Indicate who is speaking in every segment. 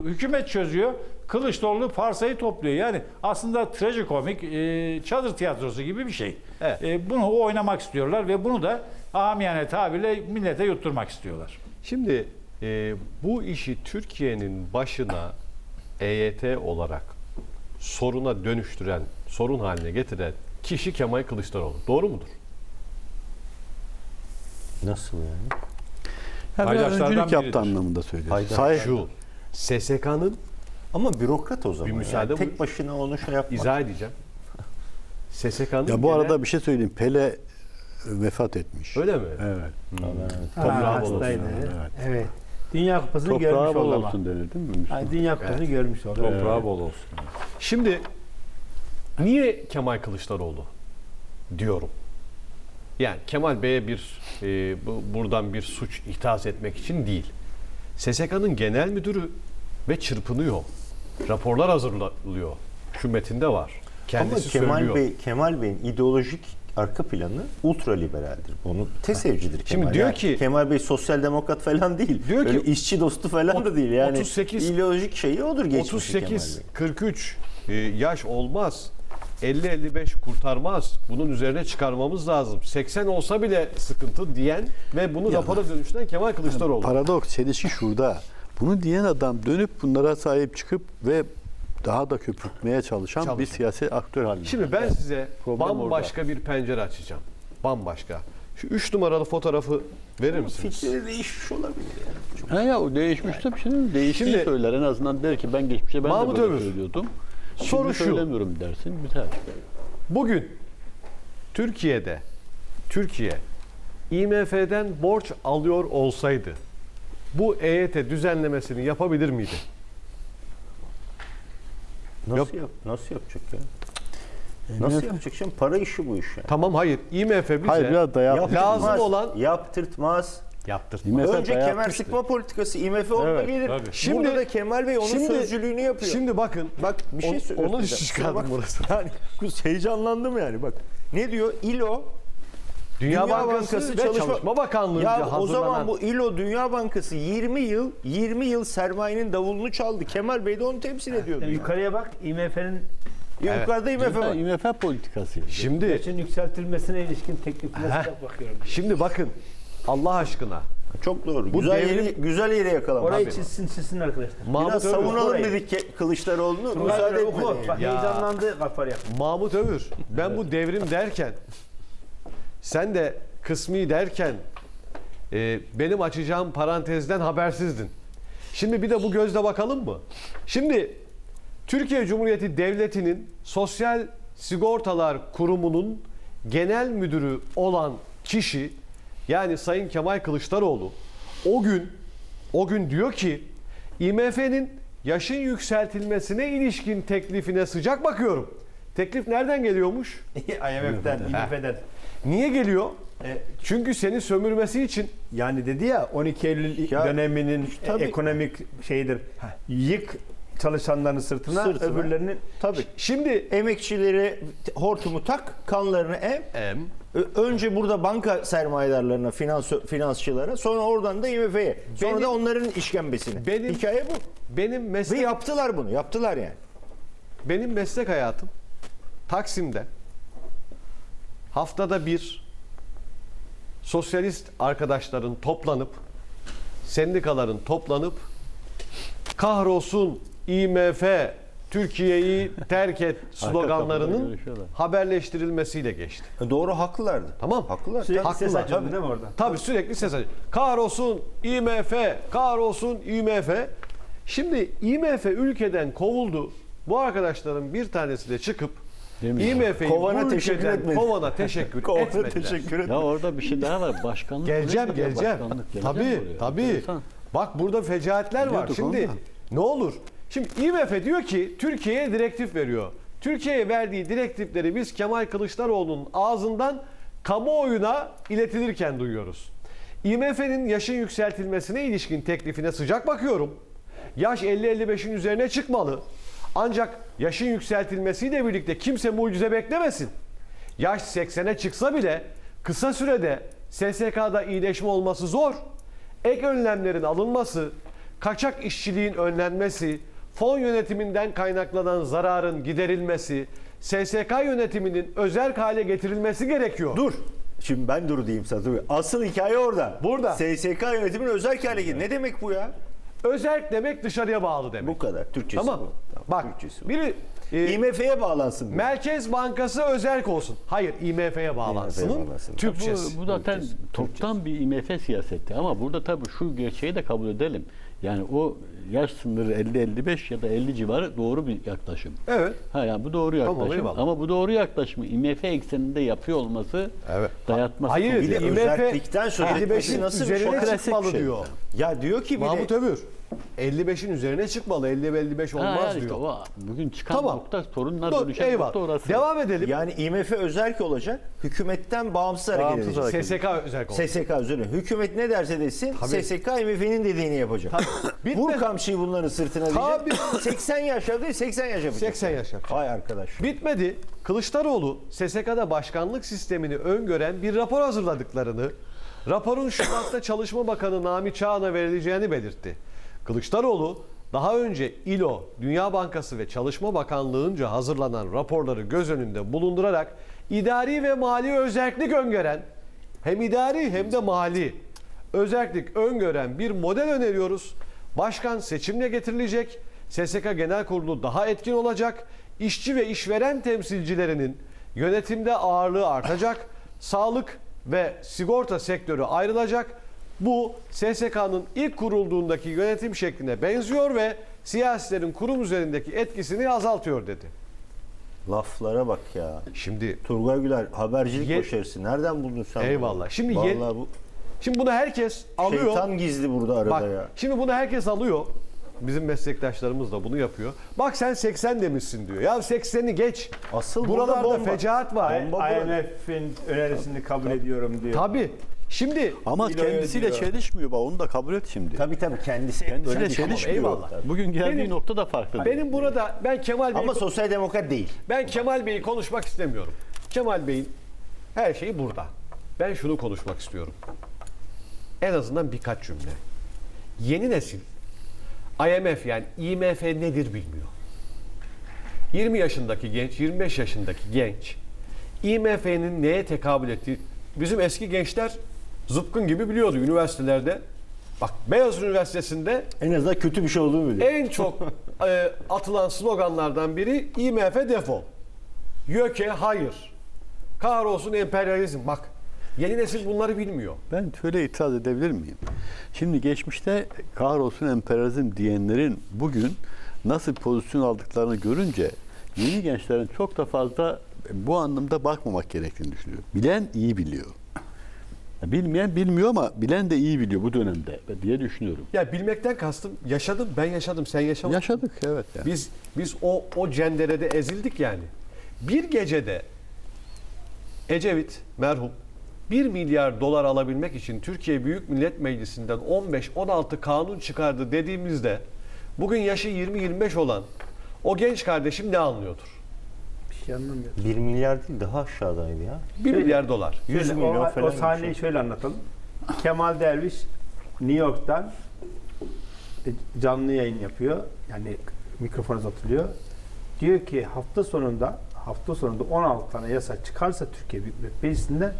Speaker 1: Hükümet çözüyor. Kılıçdaroğlu parsayı topluyor. Yani aslında trajikomik çadır tiyatrosu gibi bir şey.
Speaker 2: Evet.
Speaker 1: Bunu oynamak istiyorlar ve bunu da amiyane tabirle millete yutturmak istiyorlar.
Speaker 2: Şimdi bu işi Türkiye'nin başına EYT olarak soruna dönüştüren, sorun haline getiren kişi Kemal Kılıçdaroğlu. Doğru mudur?
Speaker 3: Nasıl yani?
Speaker 4: Ya biraz
Speaker 1: Paydaşlardan
Speaker 4: öncülük yaptı
Speaker 1: biridir.
Speaker 4: anlamında söylüyor.
Speaker 3: Paydaş.
Speaker 2: Şu, SSK'nın
Speaker 3: Ama bürokrat o zaman.
Speaker 2: Bir müsaade
Speaker 3: tek
Speaker 2: buyur.
Speaker 3: başına onu şey yapmak.
Speaker 2: izah edeceğim. SSK'nın
Speaker 4: Ya bu arada bir şey söyleyeyim. Pele vefat etmiş.
Speaker 2: öyle mi?
Speaker 4: Evet.
Speaker 2: Toprağı bol olsun.
Speaker 5: hastaydı.
Speaker 4: Evet.
Speaker 5: Evet. Dünya Kupası'nı
Speaker 4: Toprağı
Speaker 5: görmüş
Speaker 4: bol
Speaker 5: oldu ama.
Speaker 4: olsun denir değil mi?
Speaker 5: Yani Dünya Kupası'nı görmüş oldu.
Speaker 1: Toprağı bol olsun.
Speaker 2: Şimdi niye Kemal Kılıçdaroğlu diyorum? Yani Kemal Bey'e buradan bir suç ihdas etmek için değil. SSK'nın genel müdürü ve çırpınıyor. Raporlar hazırlıyor. Şu metinde var. Kendisi
Speaker 3: Ama
Speaker 2: söylüyor.
Speaker 3: Kemal Bey'in ideolojik arka planı ultraliberaldir. Onu TESEV'cidir Kemal.
Speaker 2: Şimdi diyor
Speaker 3: Yani
Speaker 2: ki-
Speaker 3: Kemal Bey sosyal demokrat falan değil.
Speaker 2: Diyor
Speaker 3: Öyle
Speaker 2: ki-
Speaker 3: işçi dostu falan da değil. Yani
Speaker 2: 38
Speaker 3: ideolojik şeyi odur geçmişi Kemal
Speaker 2: 38
Speaker 3: Bey.
Speaker 2: 43 yaş olmaz. 50-55 kurtarmaz. Bunun üzerine çıkarmamız lazım. 80 olsa bile sıkıntı diyen ve bunu rapora dönüştüren Kemal Kılıçdaroğlu.
Speaker 4: Paradoks, çelişki şurada. Bunu diyen adam dönüp bunlara sahip çıkıp ve daha da köpürtmeye çalışan bir siyasi aktör haline.
Speaker 2: Şimdi ben size
Speaker 4: Problem
Speaker 2: bambaşka bir pencere açacağım. Bambaşka. Şu 3 numaralı fotoğrafı verir misiniz?
Speaker 3: Fikri değişmiş olabilir yani.
Speaker 4: Ha ya o değişmiş de bir şey değil. Değiştiği
Speaker 2: Şimdi-
Speaker 4: söyler. En azından der ki ben geçmişte ben
Speaker 2: Mahmut
Speaker 4: de böyle
Speaker 2: Övür.
Speaker 4: söylüyordum.
Speaker 2: Soru
Speaker 4: Şimdi
Speaker 2: şu.
Speaker 4: söylemiyorum dersin. Biter.
Speaker 2: Bugün Türkiye IMF'den borç alıyor olsaydı bu EYT düzenlemesini yapabilir miydi?
Speaker 3: Nasıl yapacak ya? Nasıl yapacak şimdi? Para işi bu iş yani.
Speaker 2: Tamam, hayır. IMF bize
Speaker 4: Hayır, biraz da
Speaker 2: lazım
Speaker 3: Yaptırtmaz,
Speaker 2: olan
Speaker 3: yaptırtmaz.
Speaker 2: yaptırtmaz.
Speaker 4: IMF
Speaker 3: Önce kemer
Speaker 4: dayatmıştı.
Speaker 3: sıkma politikası IMF orada
Speaker 4: Evet,
Speaker 3: gelir.
Speaker 1: tabii.
Speaker 2: Şimdi-
Speaker 3: Burada da Kemal Bey onun sözcülüğünü yapıyor.
Speaker 2: Şimdi bakın.
Speaker 3: Bak bir şey söylüyorum.
Speaker 2: Onun işi çıkardım burası.
Speaker 3: Yani heyecanlandım yani bak. Ne diyor? İLO
Speaker 2: Dünya Bankası ve Çalışma Bakanlığı'nca
Speaker 3: Ya o
Speaker 2: hazırlanan.
Speaker 3: zaman bu İLO Dünya Bankası 20 yıl sermayenin davulunu çaldı. Kemal Bey de onu temsil ediyordu.
Speaker 5: Yani yukarıya bak, IMF'nin
Speaker 3: Yukarıda IMF var.
Speaker 4: IMF politikası.
Speaker 2: Şimdi
Speaker 5: yaşın yükseltilmesine ilişkin teklifine bakıyorum.
Speaker 2: şimdi bakın Allah aşkına.
Speaker 3: Çok doğru.
Speaker 2: Bu
Speaker 3: Güzel yere yakalamış.
Speaker 5: Orayı çizsin arkadaşlar.
Speaker 2: Mahmut
Speaker 3: Biraz
Speaker 2: Övür,
Speaker 3: savunalım
Speaker 5: orayı.
Speaker 3: dedik Kılıçdaroğlu'nu.
Speaker 5: Müsaade
Speaker 3: Müsaade
Speaker 5: oku.
Speaker 3: etmedi.
Speaker 5: Bak
Speaker 2: Ya.
Speaker 5: heyecanlandı, kafarı yaktı.
Speaker 2: Mahmut Övür, ben bu devrim derken sen de kısmi derken benim açacağım parantezden habersizdin. Şimdi bir de bu gözle bakalım mı? Şimdi Türkiye Cumhuriyeti Devleti'nin Sosyal Sigortalar Kurumu'nun genel müdürü olan kişi, yani Sayın Kemal Kılıçdaroğlu o gün diyor ki IMF'nin yaşın yükseltilmesine ilişkin teklifine sıcak bakıyorum. Teklif nereden geliyormuş?
Speaker 5: IMF'den, IMF'den.
Speaker 2: Niye geliyor? Çünkü seni sömürmesi için.
Speaker 6: Yani dedi ya 12 Eylül
Speaker 3: Ya,
Speaker 6: döneminin
Speaker 3: tabii.
Speaker 6: ekonomik şeyidir. Yık çalışanların sırtına, öbürlerinin
Speaker 3: Tabii.
Speaker 2: Şimdi
Speaker 3: Emekçileri hortumu tak, kanlarını önce burada banka sermayedarlarına, finansçılara, sonra oradan da IMF'ye. Sonra
Speaker 2: Benim-
Speaker 3: da onların işkembesine. Hikaye bu.
Speaker 2: benim
Speaker 3: Ve
Speaker 2: meslek
Speaker 3: yaptılar bunu. Yaptılar yani.
Speaker 2: benim meslek hayatım Taksim'de haftada bir sosyalist arkadaşların toplanıp, sendikaların toplanıp kahrolsun IMF Türkiye'yi terk et sloganlarının
Speaker 4: görüşüyorlar.
Speaker 2: haberleştirilmesiyle geçti.
Speaker 3: Doğru, haklılardı.
Speaker 2: Tamam.
Speaker 3: Haklılar.
Speaker 5: Sürekli
Speaker 2: Haklılar.
Speaker 5: ses açıyordu
Speaker 2: Tabii.
Speaker 5: değil mi orada?
Speaker 2: Tabii sürekli ses açıyor. Kahrolsun IMF, kahrolsun IMF. Şimdi IMF ülkeden kovuldu. Bu arkadaşların bir tanesi de çıkıp
Speaker 4: Demiyor.
Speaker 2: IMF'yi
Speaker 3: Kovana
Speaker 2: bu
Speaker 3: teşekkür
Speaker 2: ülkeden
Speaker 3: etmedi.
Speaker 2: kovana teşekkür
Speaker 3: Kovana
Speaker 2: etmediler.
Speaker 3: teşekkür ederim.
Speaker 4: Ya orada bir şey daha var. Başkanlık.
Speaker 2: Geleceğim.
Speaker 4: Başkanlık, geleceğim oraya.
Speaker 2: Tabii.
Speaker 4: Enteresan.
Speaker 2: Bak burada fecaatler var.
Speaker 4: Biliyorduk
Speaker 2: Şimdi
Speaker 4: ondan.
Speaker 2: ne olur? Şimdi IMF diyor ki Türkiye'ye direktif veriyor. Türkiye'ye verdiği direktifleri biz Kemal Kılıçdaroğlu'nun ağzından kamuoyuna iletilirken duyuyoruz. IMF'nin yaşın yükseltilmesine ilişkin teklifine sıcak bakıyorum. Yaş 50-55'in üzerine çıkmalı. Ancak yaşın yükseltilmesiyle birlikte kimse mucize beklemesin. Yaş 80'e çıksa bile kısa sürede SSK'da iyileşme olması zor. Ek önlemlerin alınması, kaçak işçiliğin önlenmesi, fon yönetiminden kaynaklanan zararın giderilmesi, SSK yönetiminin özerk hale getirilmesi gerekiyor.
Speaker 3: Dur. Şimdi ben dur diyeyim sana. Dur. Asıl hikaye orada.
Speaker 2: Burada.
Speaker 3: SSK yönetiminin özel hale geldi. Ne demek bu ya?
Speaker 2: Özerk demek dışarıya bağlı demek.
Speaker 3: Bu kadar. Türkçesi
Speaker 2: Tamam.
Speaker 3: bu.
Speaker 2: Bak
Speaker 3: Türkçesi bu.
Speaker 2: biri
Speaker 3: IMF'ye bağlansın.
Speaker 2: Merkez Bankası özerk olsun. Hayır, IMF'ye bağlansın.
Speaker 3: IMF'ye bağlansın.
Speaker 2: Türkçesi.
Speaker 4: Bu zaten toptan bir IMF siyaseti ama burada tabii şu gerçeği de kabul edelim. Yani o yaş sınırı 50-55 ya da 50 civarı doğru bir yaklaşım.
Speaker 2: Evet.
Speaker 4: Ha yani bu doğru yaklaşım.
Speaker 2: eyvallah.
Speaker 4: Ama bu doğru yaklaşımı IMF ekseninde yapıyor olması
Speaker 2: Evet.
Speaker 4: dayatması.
Speaker 2: Hayır,
Speaker 3: Bir de
Speaker 2: IMF
Speaker 3: özellikten söz etmesi
Speaker 2: 55'in
Speaker 3: nasıl bir şey?
Speaker 2: üzerine
Speaker 4: Klasik
Speaker 2: çıkmalı
Speaker 4: bir şey.
Speaker 2: diyor.
Speaker 3: Ya diyor ki bir de
Speaker 2: Mahmut Övür. 55'in üzerine çıkmalı. 50-55
Speaker 4: Ha,
Speaker 2: olmaz
Speaker 4: yani işte
Speaker 2: diyor.
Speaker 4: o bugün çıkan
Speaker 2: Tamam.
Speaker 4: nokta sorunlar
Speaker 2: Dur,
Speaker 4: dönüşen
Speaker 2: eyvallah.
Speaker 4: nokta orası.
Speaker 2: Devam edelim.
Speaker 3: yani IMF özerk olacak. Hükümetten bağımsız hareket
Speaker 4: Bağımsız
Speaker 3: edecek.
Speaker 4: hareket.
Speaker 2: SSK özerk olsun.
Speaker 3: SSK üzerine. Hükümet ne derse desin SSK IMF'nin dediğini yapacak.
Speaker 2: Bitmedi.
Speaker 3: Vur kamçıyı bunların sırtına
Speaker 2: Tabii.
Speaker 3: diyecek. 80 yaşa değil 80 yaş yapacak.
Speaker 2: 80 yaş yapacak.
Speaker 3: Vay arkadaş.
Speaker 2: Bitmedi. Kılıçdaroğlu SSK'da başkanlık sistemini öngören bir rapor hazırladıklarını, raporun Şubat'ta Çalışma Bakanı Nami Çağan'a verileceğini belirtti. Kılıçdaroğlu daha önce İLO, Dünya Bankası ve Çalışma Bakanlığı'nca hazırlanan raporları göz önünde bulundurarak idari ve mali özerklik öngören, hem idari hem de mali özerklik öngören bir model öneriyoruz. Başkan seçimle getirilecek, SSK Genel Kurulu daha etkin olacak, işçi ve işveren temsilcilerinin yönetimde ağırlığı artacak, sağlık ve sigorta sektörü ayrılacak. Bu SSK'nın ilk kurulduğundaki yönetim şekline benziyor ve siyasilerin kurum üzerindeki etkisini azaltıyor dedi.
Speaker 3: Laflara bak ya.
Speaker 2: Şimdi
Speaker 3: Turgay Güler habercilik
Speaker 2: Ye-
Speaker 3: başarısı. Nereden buldun sen
Speaker 2: Eyvallah.
Speaker 3: bunu?
Speaker 2: Şimdi
Speaker 3: Vallahi bu
Speaker 2: bunu herkes alıyor.
Speaker 3: şeytan gizli burada arada
Speaker 2: Bak,
Speaker 3: ya.
Speaker 2: şimdi bunu herkes alıyor. Bizim meslektaşlarımız da bunu yapıyor. Bak sen 80 demişsin diyor. Ya 80'i geç.
Speaker 3: Asıl burada
Speaker 2: Buralarda
Speaker 3: bomba.
Speaker 2: fecaat var.
Speaker 6: IMF'in önerisini kabul ediyorum diyor.
Speaker 2: Tabii. Şimdi
Speaker 4: Ama
Speaker 6: İlo'ya
Speaker 4: kendisiyle
Speaker 6: diyor.
Speaker 4: çelişmiyor. Bak onu da kabul et şimdi.
Speaker 3: Tabii kendisi.
Speaker 4: Kendisiyle
Speaker 3: Sen-
Speaker 4: çelişmiyor.
Speaker 2: Eyvallah.
Speaker 4: Bugün geldiği
Speaker 2: Benim-
Speaker 4: nokta da farklı.
Speaker 2: benim burada
Speaker 3: Ama sosyal demokrat değil.
Speaker 2: Ben Kemal Bey'i konuşmak istemiyorum. Kemal Bey'in her şeyi burada. Ben şunu konuşmak istiyorum. En azından birkaç cümle. Yeni nesil IMF yani IMF nedir bilmiyor. 20 yaşındaki genç, 25 yaşındaki genç IMF'nin neye tekabül ettiği bizim eski gençler zıpkın gibi biliyordu üniversitelerde. Bak Beyazıt Üniversitesi'nde
Speaker 3: En azından kötü bir şey olduğunu biliyor.
Speaker 2: en çok atılan sloganlardan biri IMF defol. YÖK'e hayır. Kahrolsun emperyalizm. Bak yeni nesil bunları bilmiyor.
Speaker 4: Ben şöyle itiraz edebilir miyim? Şimdi geçmişte kahrolsun emperyalizm diyenlerin bugün nasıl pozisyon aldıklarını görünce yeni gençlerin çok da fazla bu anlamda bakmamak gerektiğini düşünüyorum. Bilen iyi biliyor. Bilmeyen bilmiyor ama bilen de iyi biliyor bu dönemde diye düşünüyorum.
Speaker 2: Ya bilmekten kastım yaşadım, ben yaşadım, sen yaşamadın.
Speaker 4: Yaşadık evet. Yani.
Speaker 2: Biz o cenderede ezildik yani. Bir gecede Ecevit merhum 1 milyar dolar alabilmek için Türkiye Büyük Millet Meclisi'nden 15-16 kanun çıkardı dediğimizde bugün yaşı 20-25 olan o genç kardeşim ne anlıyordur?
Speaker 5: Bir şey anlamıyorum.
Speaker 3: 1 milyar değil daha aşağıdaydı ya.
Speaker 2: 1 milyar dolar.
Speaker 3: 100
Speaker 5: Şöyle,
Speaker 3: milyon
Speaker 5: o
Speaker 3: falan.
Speaker 5: sahneyi şöyle anlatalım. Kemal Derviş New York'tan canlı yayın yapıyor. Yani mikrofon uzatılıyor. Diyor ki hafta sonunda 16 tane yasa çıkarsa Türkiye Büyük Millet Meclisi'nden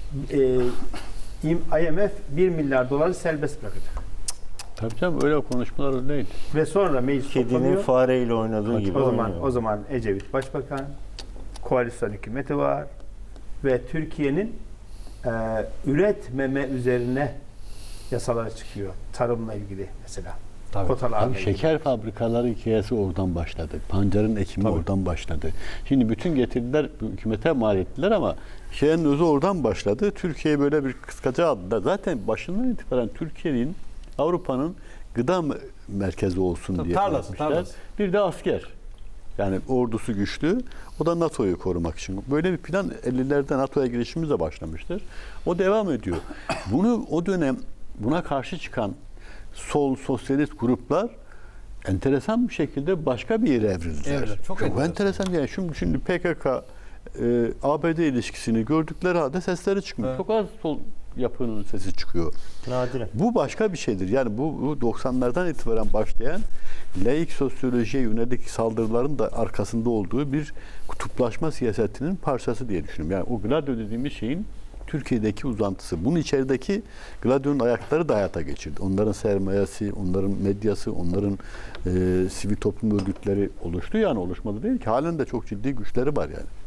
Speaker 5: IMF 1 milyar doları serbest bırakacak.
Speaker 4: Tabii canım öyle konuşmalar değil.
Speaker 5: Ve sonra meclis
Speaker 3: Kedinin
Speaker 5: toplanıyor.
Speaker 3: fareyle oynadığı gibi oynuyor.
Speaker 5: O zaman Ecevit Başbakan, koalisyon hükümeti var ve Türkiye'nin üretmeme üzerine yasalar çıkıyor. Tarımla ilgili mesela.
Speaker 2: Tabii.
Speaker 5: Kotalarla
Speaker 4: Abi
Speaker 5: ilgili.
Speaker 4: şeker fabrikaları hikayesi oradan başladı. Pancarın ekimi oradan başladı. Şimdi bütün getiriler hükümete mal ettiler ama şeyin özü oradan başladı. Türkiye'yi böyle bir kıskaca aldılar. Zaten başından itibaren Türkiye'nin Avrupa'nın gıda merkezi olsun diye
Speaker 2: Tarlası,
Speaker 4: yapmışlar.
Speaker 2: tarlası.
Speaker 4: Bir de asker. Yani ordusu güçlü. O da NATO'yu korumak için. Böyle bir plan 50'lerde NATO'ya girişimizle başlamıştır. O devam ediyor. Bunu o dönem buna karşı çıkan sol sosyalist gruplar enteresan bir şekilde başka bir yere evrildiler.
Speaker 2: Evet, çok
Speaker 4: enteresan. Yani şimdi PKK ABD ilişkisini gördükleri halde sesleri çıkmıyor.
Speaker 2: Evet.
Speaker 4: Çok az sol yapının sesi çıkıyor.
Speaker 3: Nadiren.
Speaker 4: Bu başka bir şeydir. Yani bu 90'lardan itibaren başlayan laik sosyolojiye yönelik saldırıların da arkasında olduğu bir kutuplaşma siyasetinin parçası diye düşünüyorum. Yani o Gladio dediğimiz şeyin Türkiye'deki uzantısı. Bunun içerideki Gladio'nun ayakları da hayata geçirdi. Onların sermayesi, onların medyası, onların sivil toplum örgütleri oluştu. Yani oluşmadı değil ki. Halen de çok ciddi güçleri var yani.